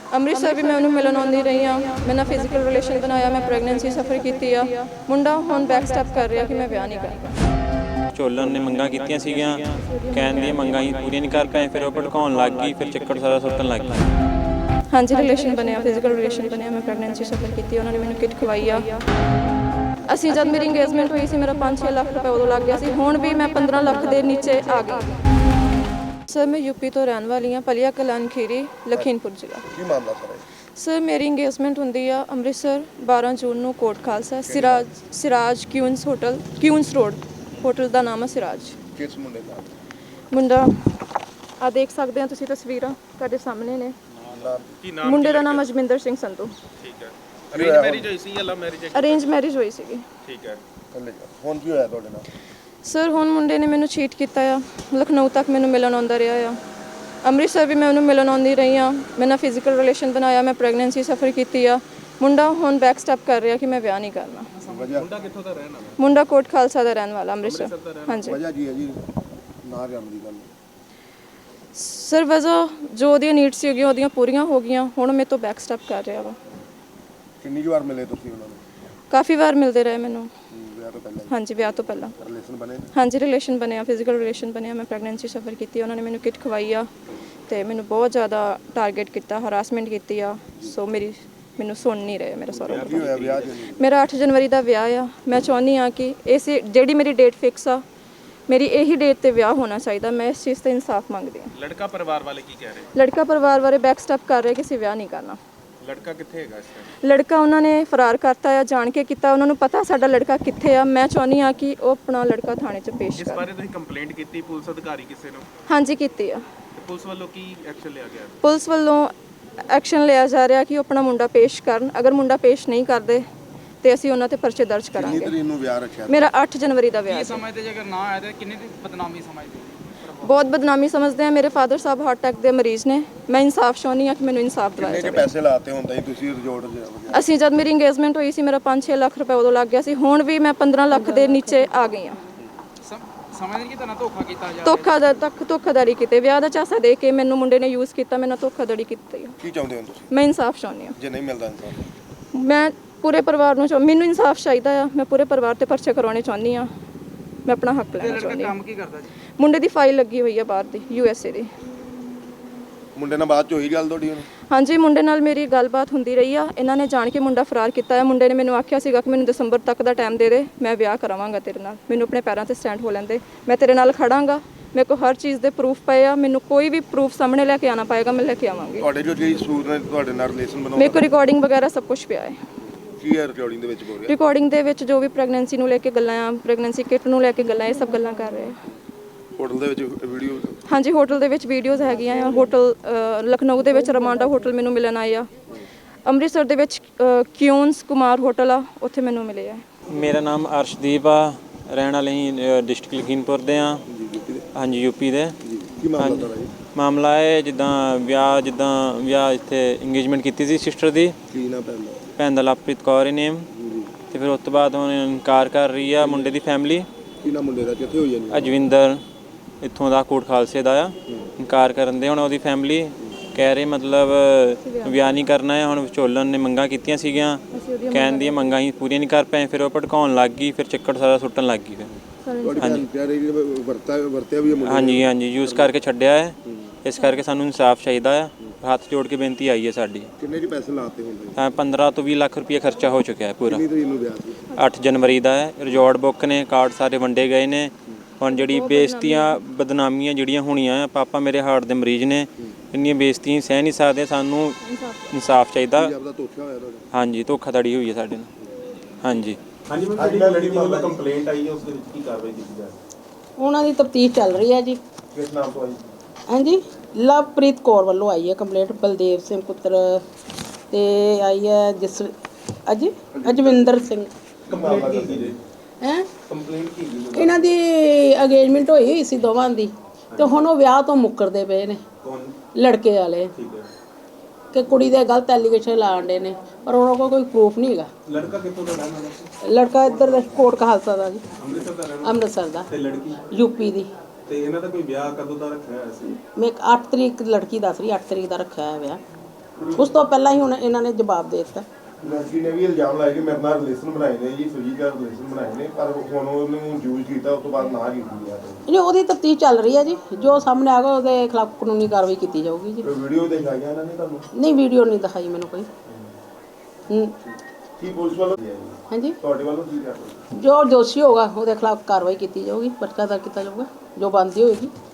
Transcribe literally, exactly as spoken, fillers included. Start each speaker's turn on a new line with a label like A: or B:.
A: ਅੰਮ੍ਰਿਤਸਰ ਵੀ ਮੈਂ ਉਹਨੂੰ ਮਿਲਣ ਆਉਂਦੀ ਰਹੀ ਹਾਂ। ਮੈਂ ਨਾਲ ਫਿਜ਼ੀਕਲ ਰਿਲੇਸ਼ਨ ਬਣਾਇਆ, ਮੈਂ ਪ੍ਰੈਗਨੈਂਸੀ ਸਫਰ ਕੀਤੀ ਆ। ਮੁੰਡਾ ਹੁਣ ਬੈਕ ਸਟੈਪ ਕਰ ਰਿਹਾ ਕਿ ਮੈਂ ਵਿਆਹ ਨਹੀਂ ਕਰਨਾ।
B: ਝੋਲਣ ਨੇ ਮੰਗਾਂ ਕੀਤੀਆਂ ਸੀਗੀਆਂ, ਕਹਿਣ ਦੀਆਂ ਮੰਗਾਂ ਹੀ ਪੂਰੀਆਂ ਨਹੀਂ ਕਰ ਪਏ, ਫਿਰ ਉਹ ਭੜਕਾਉਣ ਲੱਗ ਗਈ, ਫਿਰ ਚੱਕਰ ਸਾਰਾ ਸੁੱਟਣ ਲੱਗ ਗਈ।
A: ਹਾਂਜੀ ਰਿਲੇਸ਼ਨ ਬਣਿਆ, ਫਿਜ਼ੀਕਲ ਰਿਲੇਸ਼ਨ ਬਣਿਆ, ਮੈਂ ਪ੍ਰੈਗਨੈਂਸੀ ਸਫਰ ਕੀਤੀ, ਉਹਨਾਂ ਨੇ ਮੈਨੂੰ ਕਿਟ ਖਵਾਈ ਆ। ਅਸੀਂ ਜਦ ਮੇਰੀ ਇੰਗੇਜਮੈਂਟ ਹੋਈ ਸੀ ਮੇਰਾ ਪੰਜ ਛੇ ਲੱਖ ਰੁਪਏ ਉਦੋਂ ਲੱਗ ਗਿਆ ਸੀ, ਹੁਣ ਵੀ ਮੈਂ ਪੰਦਰਾਂ ਲੱਖ ਦੇ ਨੀਚੇ ਆ ਗਈ। ਸਰ ਮੈਂ ਯੂਪੀ ਤੋਂ ਰਹਿਣ ਵਾਲੀ ਹਾਂ, ਪਲੀਆ ਕਲਾਨ ਖੀਰੀ, ਲਖੀਮਪੁਰ ਜ਼ਿਲ੍ਹਾ।
C: ਕੀ ਮਾਮਲਾ ਸਰ?
A: ਸਰ ਮੇਰੀ ਇੰਗੇਜਮੈਂਟ ਹੁੰਦੀ ਆ ਅੰਮ੍ਰਿਤਸਰ ਬਾਰਾਂ ਜੂਨ ਨੂੰ, Kot Khalsa, Siraj Siraj Queens hotel, Queens road, hotel ਦਾ ਨਾਮ ਹੈ ਸਿਰਾਜ।
C: ਕਿਸ ਮੁੰਡੇ ਦਾ?
A: ਮੁੰਡਾ ਆ ਦੇਖ ਸਕਦੇ ਹੋ ਤੁਸੀਂ, ਤਸਵੀਰਾਂ ਤੁਹਾਡੇ ਸਾਹਮਣੇ ਨੇ।
C: ਕੀ ਨਾਮ?
A: ਮੁੰਡੇ ਦਾ ਨਾਮ ਅਜਮਿੰਦਰ ਸਿੰਘ ਸੰਧੂ।
C: ਠੀਕ ਹੈ। ਅਰੇਂਜ ਮੈਰਿਜ ਹੋਈ ਸੀ ਜਾਂ ਲਵ ਮੈਰਿਜ?
A: ਅਰੇਂਜ ਮੈਰਿਜ ਹੋਈ ਸੀਗੀ।
C: ਠੀਕ ਹੈ। ਹੁਣ ਕੀ ਹੋਇਆ ਤੁਹਾਡੇ ਨਾਲ?
A: ਸਰ ਹੁਣ ਮੁੰਡੇ ਨੇ ਮੈਨੂੰ ਚੀਟ ਕੀਤਾ ਆ, ਲਖਨਊ ਤੱਕ ਮੈਨੂੰ ਮਿਲਣ ਆਉਂਦਾ ਰਿਹਾ ਆ। ਅੰਮ੍ਰਿਤਸਰ ਵੀ ਮੈਂ ਉਹਨੂੰ ਮਿਲਣ ਆਉਂਦੀ ਰਹੀ ਹਾਂ। ਮੈਂ ਨਾਲ ਫਿਜ਼ੀਕਲ ਰਿਲੇਸ਼ਨ ਬਣਾਇਆ, ਮੈਂ ਪ੍ਰੈਗਨੈਂਸੀ ਸਫਰ ਕੀਤੀ ਆ। ਮੁੰਡਾ ਹੁਣ ਬੈਕ ਸਟੈਪ ਕਰ ਰਿਹਾ ਕਿ ਮੈਂ ਵਿਆਹ ਨਹੀਂ ਕਰਨਾ।
C: ਮੁੰਡਾ ਕਿੱਥੋਂ ਦਾ ਰਹਿਣ ਵਾਲਾ?
A: ਮੁੰਡਾ ਕੋਟ ਖਾਲਸਾ ਦਾ ਰਹਿਣ ਵਾਲਾ, ਅੰਮ੍ਰਿਤਸਰ। ਹਾਂਜੀ
C: ਵਜ੍ਹਾ ਕੀ ਹੈ ਜੀ ਨਾ ਜਾਣ ਦੀ ਗੱਲ?
A: ਸਰ ਵਜ੍ਹਾ ਜੋ ਉਹਦੀਆਂ ਨੀਡਸ ਸੀਗੀਆਂ ਉਹਦੀਆਂ ਪੂਰੀਆਂ ਹੋ ਗਈਆਂ, ਹੁਣ ਮੇਰੇ ਤੋਂ ਬੈਕ ਸਟੈਪ ਕਰ ਰਿਹਾ ਵਾ।
C: ਕਿੰਨੀ ਵਾਰ ਮਿਲੇ ਤੁਸੀਂ ਉਹਨਾਂ ਨੂੰ?
A: ਕਾਫੀ ਵਾਰ ਮਿਲਦੇ ਰਹੇ ਮੈਨੂੰ।
C: ਵਿਆਹ ਤੋਂ ਪਹਿਲਾਂ?
A: ਹਾਂਜੀ ਵਿਆਹ ਤੋਂ ਪਹਿਲਾਂ
C: ਰਿਲੇਸ਼ਨ ਬਣੇ?
A: ਹਾਂਜੀ ਰਿਲੇਸ਼ਨ ਬਣਿਆ, ਫਿਜ਼ੀਕਲ ਰਿਲੇਸ਼ਨ ਬਣਿਆ, ਮੈਂ ਪ੍ਰੈਗਨੈਂਸੀ ਸਫਰ ਕੀਤੀ, ਉਹਨਾਂ ਨੇ ਮੈਨੂੰ ਕਿਟ ਖਵਾਈ ਆ ਅਤੇ ਮੈਨੂੰ ਬਹੁਤ ਜ਼ਿਆਦਾ ਟਾਰਗੇਟ ਕੀਤਾ, ਹਰਾਸਮੈਂਟ ਕੀਤੀ ਆ। ਸੋ ਮੇਰੀ ਮੈਨੂੰ ਸੁਣ ਨਹੀਂ ਰਹੇ ਮੇਰਾ ਸਹੁਰਾ।
C: ਕੀ ਹੋਇਆ ਵਿਆਹ 'ਚ?
A: ਮੇਰਾ ਅੱਠ ਜਨਵਰੀ ਦਾ ਵਿਆਹ ਆ। ਮੈਂ ਚਾਹੁੰਦੀ ਹਾਂ ਕਿ ਇਸ ਜਿਹੜੀ ਮੇਰੀ ਡੇਟ ਫਿਕਸ ਆ, ਮੇਰੀ ਇਹੀ ਡੇਟ ਤੇ ਵਿਆਹ ਹੋਣਾ ਚਾਹੀਦਾ। ਮੈਂ ਇਸ ਚੀਜ਼ ਤੇ ਇਨਸਾਫ ਮੰਗਦੀ ਹਾਂ।
D: ਲੜਕਾ ਪਰਿਵਾਰ ਵਾਲੇ ਕੀ ਕਹਿ ਰਹੇ?
A: ਲੜਕਾ ਪਰਿਵਾਰ ਬਾਰੇ ਬੈਕ ਸਟੈਪ ਕਰ ਰਿਹਾ ਕਿ ਅਸੀਂ ਵਿਆਹ ਨਹੀਂ ਕਰਨਾ।
D: ਲੜਕਾ ਕਿੱਥੇ ਹੈਗਾ ਇਸ ਟਾਈਮ?
A: ਲੜਕਾ ਉਹਨਾਂ ਨੇ ਫਰਾਰ ਕਰਤਾ ਆ, ਜਾਣ ਕੇ ਕੀਤਾ। ਉਹਨਾਂ ਨੂੰ ਪਤਾ ਸਾਡਾ ਲੜਕਾ ਕਿੱਥੇ ਆ। ਮੈਂ ਚਾਹੁੰਦੀ ਹਾਂ ਕਿ ਉਹ ਆਪਣਾ ਲੜਕਾ ਥਾਣੇ 'ਚ ਪੇਸ਼
D: ਇਸ
A: ਕਰ।
D: ਬਾਰੇ ਤੁਸੀਂ ਕੰਪਲੇਂਟ ਕੀਤੀ ਪੁਲਿਸ ਅਧਿਕਾਰੀ ਕਿਸੇ ਨੂੰ?
A: ਹਾਂਜੀ ਕੀਤੀ ਆ।
D: ਤੇ ਪੁਲਿਸ ਵੱਲੋਂ ਕੀ ਐਕਸ਼ਨ ਲਿਆ ਗਿਆ?
A: ਪੁਲਿਸ ਵੱਲੋਂ ਐਕਸ਼ਨ ਲਿਆ ਜਾ ਰਿਹਾ ਕਿ ਉਹ ਆਪਣਾ ਮੁੰਡਾ ਪੇਸ਼ ਕਰਨ। ਅਗਰ ਮੁੰਡਾ ਪੇਸ਼ ਨਹੀਂ ਕਰਦੇ ਤੇ ਅਸੀਂ ਉਹਨਾਂ ਤੇ ਪਰਚੇ ਦਰਜ
C: ਕਿੰਨੀ
A: ਕਰਾਂਗੇ।
C: ਤਰੀਕ ਨੂੰ ਵਿਆਹ ਰੱਖਿਆ?
A: ਮੇਰਾ ਅੱਠ ਜਨਵਰੀ ਦਾ ਵਿਆਹ ਹੈ।
D: ਸਮਝਦੇ ਜੇ ਅਗਰ ਨਾ ਆਇਆ ਤਾਂ ਕਿੰਨੀ ਦੀ ਬਦਨਾਮੀ ਸਮਝਦੇ?
A: ਬਹੁਤ ਬਦਨਾਮੀ ਸਮਝਦੇ ਆ। ਮੇਰੇ ਫਾਦਰ ਸਾਹਿਬ ਹਾਰਟ ਅਟੈਕ ਦੇ ਮਰੀਜ਼ ਨੇ। ਮੈਂ ਇਨਸਾਫ ਚਾਹੁੰਦੀ ਹਾਂ ਕਿ ਮੈਨੂੰ ਇਨਸਾਫ ਦਿਵਾਇਆ
C: ਕਿੰਨੇ
A: ਜਾਵੇ।
C: ਪੈਸੇ ਲਾਤੇ ਹੁੰਦਾ ਜੀ ਤੁਸੀਂ ਰਿਜ਼ੋਰਟ 'ਚ?
A: ਅਸੀਂ ਜਦ ਮੇਰੀ ਇੰਗੇਜਮੈਂਟ ਹੋਈ ਸੀ ਮੇਰਾ ਪੰਜ ਛੇ ਲੱਖ ਰੁਪਏ ਉਦੋਂ ਲੱਗ ਗਿਆ ਸੀ, ਹੁਣ ਵੀ ਮੈਂ ਪੰਦਰਾਂ ਲੱਖ ਦੇ ਨੀਚੇ ਆ ਗਈ ਹਾਂ।
D: ਸਮਝਦੇ ਕਿ ਤੁਹਾਨੂੰ ਧੋਖਾ ਕੀਤਾ ਜਾ?
A: ਧੋਖਾ ਦਾ ਤੱਕ ਧੋਖਾਦਾਰੀ ਕੀਤੇ, ਵਿਆਹ ਦਾ ਝਾਂਸਾ ਦੇ ਕੇ ਮੈਨੂੰ ਮੁੰਡੇ ਨੇ ਯੂਜ਼ ਕੀਤਾ, ਮੇਰੇ ਨਾਲ ਧੋਖਾਧੜੀ ਕੀਤੀ।
C: ਕੀ ਚਾਹੁੰਦੇ ਹੋ ਤੁਸੀਂ?
A: ਮੈਂ ਇਨਸਾਫ ਚਾਹੁੰਦੀ ਹਾਂ।
C: ਜੇ ਨਹੀਂ ਮਿਲਦਾ ਇਨਸਾਫ?
A: ਮੈਂ ਪੂਰੇ ਪਰਿਵਾਰ ਨੂੰ ਚਾਹ ਮੈਨੂੰ ਇਨਸਾਫ ਚਾਹੀਦਾ ਆ। ਮੈਂ ਪੂਰੇ ਪਰਿਵਾਰ ਤੇ ਪਰਚੇ ਕਰਵਾਉਣੇ ਚਾਹੁੰਦੀ ਹਾਂ। ਮੈਂ ਆਪਣਾ ਹੱਕ ਲੈਣਾ ਚਾਹੁੰਦੀ ਹਾਂ।
D: ਕੰਮ ਕੀ ਕਰਦਾ ਜੀ?
A: ਮੁੰਡੇ ਦੀ ਫਾਈਲ ਲੱਗੀ ਹੋਈ ਆ ਬਾਹਰ ਦੀ, ਯੂ ਐਸ ਏ ਦੀ।
C: ਮੁੰਡੇ ਨਾਲ ਬਾਅਦ 'ਚ ਹੋਈ ਗੱਲ ਤੁਹਾਡੀ? ਹੁਣ
A: ਹਾਂਜੀ ਮੁੰਡੇ ਨਾਲ ਮੇਰੀ ਗੱਲਬਾਤ ਹੁੰਦੀ ਰਹੀ ਆ। ਇਹਨਾਂ ਨੇ ਜਾਣ ਕੇ ਮੁੰਡਾ ਫਰਾਰ ਕੀਤਾ ਹੈ। ਮੁੰਡੇ ਨੇ ਮੈਨੂੰ ਆਖਿਆ ਸੀਗਾ ਕਿ ਮੈਨੂੰ ਦਸੰਬਰ ਤੱਕ ਦਾ ਟਾਈਮ ਦੇ ਦੇ, ਮੈਂ ਵਿਆਹ ਕਰਾਵਾਂਗਾ ਤੇਰੇ ਨਾਲ, ਮੈਨੂੰ ਆਪਣੇ ਪੈਰਾਂ ਤੇ ਸਟੈਂਡ ਹੋ ਲੈਂਦੇ, ਮੈਂ ਤੇਰੇ ਨਾਲ ਖੜਾਂਗਾ। ਮੇਰੇ ਕੋਲ ਹਰ ਚੀਜ਼ ਦੇ ਪ੍ਰੂਫ ਪਏ ਆ, ਮੈਨੂੰ ਕੋਈ ਵੀ ਪ੍ਰੂਫ ਸਾਹਮਣੇ ਲੈ ਕੇ ਆਉਣਾ ਪਏਗਾ, ਮੈਂ ਲੈ ਕੇ ਆਵਾਂਗੀ।
C: ਤੁਹਾਡੇ ਜੋ ਜਿਹੜੀ ਸੂਰ ਨੇ ਤੁਹਾਡੇ ਨਾਲ ਰਿਲੇਸ਼ਨ ਬਣਾਉਣਾ?
A: ਮੇਰੇ ਕੋਲ ਰਿਕਾਰਡਿੰਗ ਵਗੈਰਾ ਸਭ ਕੁਝ ਪਿਆ ਹੈ।
C: ਕੀ ਹੈ ਰਿਕਾਰਡਿੰਗ ਦੇ ਵਿੱਚ ਬੋਲ ਰਿਹਾ?
A: ਰਿਕਾਰਡਿੰਗ ਦੇ ਵਿੱਚ ਜੋ ਵੀ ਪ੍ਰੈਗਨੈਂਸੀ ਨੂੰ ਲੈ ਕੇ ਗੱਲਾਂ ਆ, ਪ੍ਰੈਗਨੈਂਸੀ ਕਿਟ ਨੂੰ ਲੈ ਕੇ ਗੱਲਾਂ, ਇਹ ਸਭ ਗੱਲਾਂ ਕਰ ਰਹੇ ਆ।
C: ਹੋਟਲ ਦੇ ਵਿੱਚ ਵੀਡੀਓ?
A: ਹਾਂਜੀ ਹੋਟਲ ਦੇ ਵਿੱਚ ਵੀਡੀਓਜ਼ ਹੈਗੀਆਂ ਆ। ਹੋਟਲ ਲਖਨਊ ਦੇ ਵਿੱਚ ਰਮਾਂਡਾ ਹੋਟਲ ਮੈਨੂੰ ਮਿਲਣ ਆਏ ਆ। ਅੰਮ੍ਰਿਤਸਰ ਦੇ ਵਿੱਚ ਕਿਊਨਸ ਕੁਮਾਰ ਹੋਟਲ ਆ, ਉੱਥੇ ਮੈਨੂੰ ਮਿਲੇ ਆ।
B: ਮੇਰਾ ਨਾਮ ਅਰਸ਼ਦੀਪ ਆ, ਰਹਿਣ ਵਾਲੇ ਹੀ ਡਿਸਟ੍ਰਿਕਟ ਲਖੀਮਪੁਰ ਦੇ ਆ। ਹਾਂਜੀ ਯੂਪੀ ਦੇ।
C: ਕੀ ਮਾਮਲਾ ਤੁਹਾਡਾ ਜੀ?
B: ਮਾਮਲਾ ਹੈ ਜਿੱਦਾਂ ਵਿਆਹ ਜਿੱਦਾਂ ਵਿਆਹ ਇੱਥੇ ਇੰਗੇਜਮੈਂਟ ਕੀਤੀ ਸੀ ਸਿਸਟਰ ਦੀ।
C: ਕੀ ਨਾ ਪੈਂਦਾ?
B: ਭੈਣ ਦਾ ਲਵਪ੍ਰੀਤ ਕੌਰ ਹੀ ਨੇਮ। ਅਤੇ ਫਿਰ ਉਸ ਤੋਂ ਬਾਅਦ ਹੁਣ ਇਨਕਾਰ ਕਰ ਰਹੀ ਆ ਮੁੰਡੇ ਦੀ ਫੈਮਿਲੀ।
C: ਕੀ ਨਾ ਮੁੰਡੇ ਦਾ ਕਿੱਥੇ ਹੋਈ ਜਾਂਦੀ?
B: ਅਜਵਿੰਦਰ ਇੱਥੋਂ ਦਾ ਕੋਟ ਖਾਲਸੇ ਦਾ ਆ। ਇਨਕਾਰ ਕਰਨ ਦੇ ਹੁਣ ਉਹਦੀ ਫੈਮਿਲੀ ਕਹਿ ਰਹੇ ਮਤਲਬ ਵਿਆਹ ਨਹੀਂ ਕਰਨਾ ਹੈ। ਹੁਣ ਵਿਚੋਲਨ ਨੇ ਮੰਗਾਂ ਕੀਤੀਆਂ ਸੀਗੀਆਂ, ਕਹਿਣ ਦੀਆਂ ਮੰਗਾਂ ਹੀ ਪੂਰੀਆਂ ਨਹੀਂ ਕਰ ਪਏ, ਫਿਰ ਉਹ ਭੜਕਾਉਣ ਲੱਗ ਗਈ, ਫਿਰ ਚੱਕਰ ਸਾਰਾ ਸੁੱਟਣ ਲੱਗ ਗਈ। ਫਿਰ ਹਾਂਜੀ ਹਾਂਜੀ ਯੂਜ਼ ਕਰਕੇ ਛੱਡਿਆ ਹੈ। ਇਸ ਕਰਕੇ ਸਾਨੂੰ ਇਨਸਾਫ ਚਾਹੀਦਾ ਆ। ਹੱਥ ਜੋੜ ਕੇ ਬੇਨਤੀ ਆਈ ਹੈ ਸਾਡੀ।
C: ਕਿੰਨੇ ਜੀ ਪੈਸੇ ਲਾਤੇ ਹੁੰਦੇ?
B: ਤਾਂ ਪੰਦਰਾਂ ਤੋਂ ਵੀਹ ਲੱਖ ਰੁਪਏ ਖਰਚਾ ਹੋ ਚੁੱਕਿਆ ਹੈ ਪੂਰਾ।
C: ਕਿੰਨੀ ਤਰੀਕ ਨੂੰ ਵਿਆਹ ਸੀ?
B: ਅੱਠ ਜਨਵਰੀ ਦਾ ਹੈ। ਰਿਜ਼ੋਰਟ ਬੁੱਕ ਨੇ, ਕਾਰਡ ਸਾਰੇ ਵੰਡੇ ਗਏ ਨੇ। ਹੁਣ ਜਿਹੜੀ ਬੇਇੱਜ਼ਤੀਆਂ ਬਦਨਾਮੀਆਂ ਜਿਹੜੀਆਂ ਹੋਣੀਆਂ ਆ, ਪਾਪਾ ਮੇਰੇ ਹਾਰਟ ਦੇ ਮਰੀਜ਼ ਨੇ, ਇੰਨੀਆਂ ਬੇਇੱਜ਼ਤੀਆਂ ਸਹਿ ਨਹੀਂ ਸਕਦੇ। ਸਾਨੂੰ ਇਨਸਾਫ ਚਾਹੀਦਾ। ਹਾਂਜੀ ਧੋਖਾਧੜੀ ਹੋਈ ਹੈ ਸਾਡੇ ਨਾਲ। ਹਾਂਜੀ
E: ਹਾਂਜੀ ਮੈਂ ਜਿਹੜੀ ਲੜਕੀ ਵੱਲੋਂ ਕੰਪਲੇਂਟ ਆਈ ਹੈ ਉਸ ਦੇ ਵਿੱਚ ਕੀ ਕਾਰਵਾਈ ਕੀਤੀ ਜਾ ਰਹੀ ਹੈ?
F: ਉਹਨਾਂ ਦੀ ਤਫਤੀਸ਼ ਚੱਲ ਰਹੀ ਹੈ ਜੀ।
E: ਕਿਸ ਨਾਮ ਤੋਂ ਆਈ?
F: ਹਾਂਜੀ ਲਵਪ੍ਰੀਤ ਕੌਰ ਵੱਲੋਂ ਆਈ ਹੈ ਕੰਪਲੇਂਟ। ਬਲਦੇਵ ਸਿੰਘ ਪੁੱਤਰ ਤੇ ਆਈ ਹੈ ਜਿਸ ਅਜ ਅਜਵਿੰਦਰ ਸਿੰਘ।
E: ਕੰਪਲੇਂਟ ਕੀ ਜੀ?
F: ਹੈ
E: ਕੰਪਲੇਂਟ ਕੀ ਜੀ?
F: ਇਹਨਾਂ ਦੀ ਅੰਗੇਜਮੈਂਟ ਹੋਈ ਹੋਈ ਸੀ ਦੋਵਾਂ ਦੀ, ਤੇ ਹੁਣ ਉਹ ਵਿਆਹ ਤੋਂ ਮੁੱਕਰਦੇ ਪਏ ਨੇ
E: ਕੌਣ?
F: ਲੜਕੇ ਵਾਲੇ।
E: ਠੀਕ ਹੈ।
F: ਕਿ ਕੁੜੀ ਦੇ ਗਲਤ ਐਲੀਗੇਸ਼ਨ ਲਾਉਂਦੇ ਨੇ, ਪਰ ਉਹਨਾਂ ਕੋਲ ਕੋਈ ਪ੍ਰੂਫ ਨਹੀਂ ਹੈਗਾ।
E: ਲੜਕਾ ਕਿੱਥੋਂ ਦਾ ਰਹਿਣ ਵਾਲਾ ਸੀ?
F: ਲੜਕਾ ਇੱਧਰ ਦਾ ਕੋਟ ਖਾਲਸਾ ਦਾ ਜੀ,
E: ਅੰਮ੍ਰਿਤਸਰ ਦਾ ਰਹਿਣ?
F: ਅੰਮ੍ਰਿਤਸਰ ਦਾ।
E: ਤੇ ਲੜਕੀ?
F: ਯੂਪੀ ਦੀ।
E: ਤੇ ਇਹਨਾਂ ਦਾ ਕੋਈ ਵਿਆਹ ਕਦੋਂ ਦਾ ਰੱਖਿਆ ਹੋਇਆ ਸੀ?
F: ਮੈਂ ਅੱਠ ਤਰੀਕ ਲੜਕੀ ਦੱਸ ਰਹੀ, ਅੱਠ ਤਰੀਕ ਦਾ ਰੱਖਿਆ ਹੋਇਆ ਵਿਆਹ। ਉਸ ਤੋਂ ਪਹਿਲਾਂ ਹੀ ਹੁਣ ਇਹਨਾਂ ਨੇ ਜਵਾਬ ਦੇ ਦਿੱਤਾ।
C: ਲੜਕੀ ਨੇ ਵੀ ਇਲਜ਼ਾਮ ਲਾਇਆ ਕਿ ਮੇਰੇ ਨਾਲ ਰਿਲੇਸ਼ਨ ਬਣਾਏ ਨੇ ਜੀ, ਸੁਜੀਤ ਨਾਲ ਰਿਲੇਸ਼ਨ ਬਣਾਏ ਨੇ, ਪਰ ਹੁਣ ਉਹਨੂੰ ਯੂਜ਼ ਕੀਤਾ, ਉਸ ਤੋਂ ਬਾਅਦ ਨਾ ਕੀਤੀ ਹੈ।
F: ਜੀ ਉਹਦੀ ਤਫਤੀਸ਼ ਚੱਲ ਰਹੀ ਹੈ ਜੀ, ਜੋ ਸਾਹਮਣੇ ਆਗਾ ਉਹਦੇ ਖਿਲਾਫ ਕਾਨੂੰਨੀ ਕਾਰਵਾਈ ਕੀਤੀ ਜਾਊਗੀ ਜੀ।
C: ਕੋਈ ਵੀਡੀਓ ਦਿਖਾਈਆਂ ਇਹਨਾਂ ਨੇ ਤੁਹਾਨੂੰ?
F: ਨਹੀਂ, ਵੀਡੀਓ ਨਹੀਂ ਦਿਖਾਈ ਮੈਨੂੰ ਕੋਈ। ਹੂੰ,
C: ਕੀ ਪੁਲਿਸ ਵੱਲੋਂ
F: ਹਾਂਜੀ,
C: ਤੁਹਾਡੇ ਵੱਲੋਂ ਕੀ ਕਰ ਰਹੇ?
F: ਜੋ ਦੋਸ਼ੀ ਹੋਗਾ ਉਹਦੇ ਖਿਲਾਫ ਕਾਰਵਾਈ ਕੀਤੀ ਜਾਊਗੀ, ਪਰਚਾ ਦਰਜ ਕੀਤਾ ਜਾਊਗਾ, ਜੋ ਬਣਦੀ ਹੋਏਗੀ।